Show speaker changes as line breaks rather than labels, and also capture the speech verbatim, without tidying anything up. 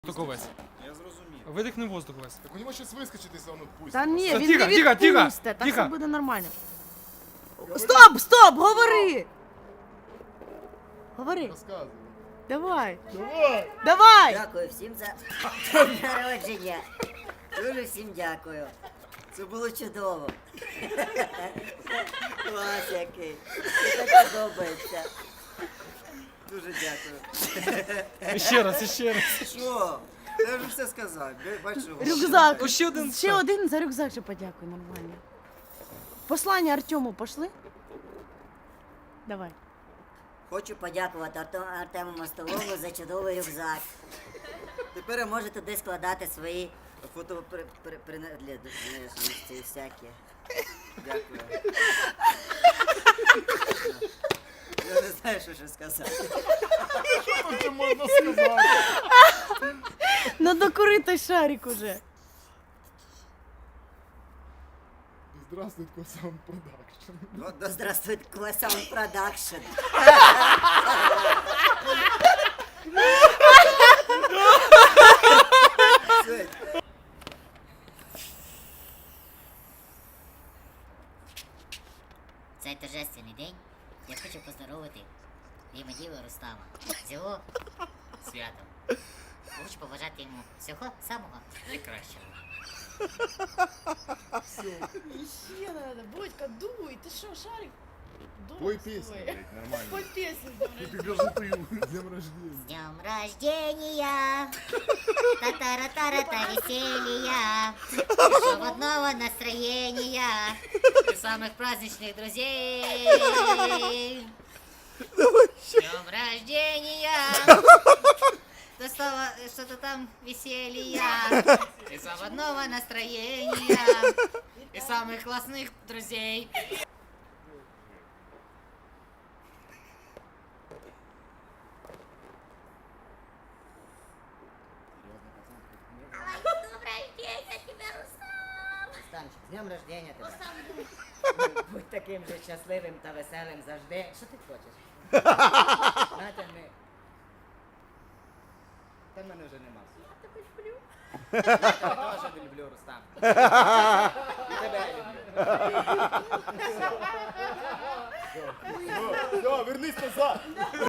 воздух весь.
Я зрозумів.
Видихни воздух весь.
Так у него сейчас выскочит, он отпустит.
Та ні,
Та
він
тихо,
не
тихо, тихо,
відпусте, так
тихо.
все буде нормально. Стоп, стоп, говори! Говори,
Рассказывай.
давай,
Давай!
давай!
Дякую всім за день народження. Дуже всім дякую. Це було чудово. Клас який. Мені так подобається. Дуже дякую.
Ще раз, ще раз.
Що? Я вже все сказав. Бачу.
Рюкзак.
О, ще один.
Ще один за рюкзак ще подякуй, нормально. Послання Артему пошли? Давай.
Хочу подякувати Арто- Артему Мостолову за чудовий рюкзак. Тепер ви можете туди складати свої фотоприналежності всякі. Дякую. Я не знаю, що ще сказати.
Что тут можно сказать?
Ну докури той шарик уже.
Здравствует, Косам Продакшн.
Вот, да здравствует Классан Продакшн.
Цей торжественний день я хочу поздоровити Рімаділа Рустама з його святом. Хочу побажати йому всього самого найкращого.
Ще надо, Бодька, дуй, ты что, шарик?
Пой песню, блядь, нормально.
Пой песню, давай.
Ты даже ты, с днем рождения.
С днем рождения! Та-та-ра-та-ра-та веселья! Свободного настроения! И самых праздничных друзей! С днем рождения! Да снова что-то там веселья! И свободного настроения! И самых классных друзей!
Станчик, з днем рождения тебе. Будь таким же щасливим та веселим завжди. Що ти хочеш? Знаєте, ми... Та в мене вже нема. Я тебе люблю. Я тебе теж не люблю, Рустам. І тебе я люблю.
Все, вернись назад.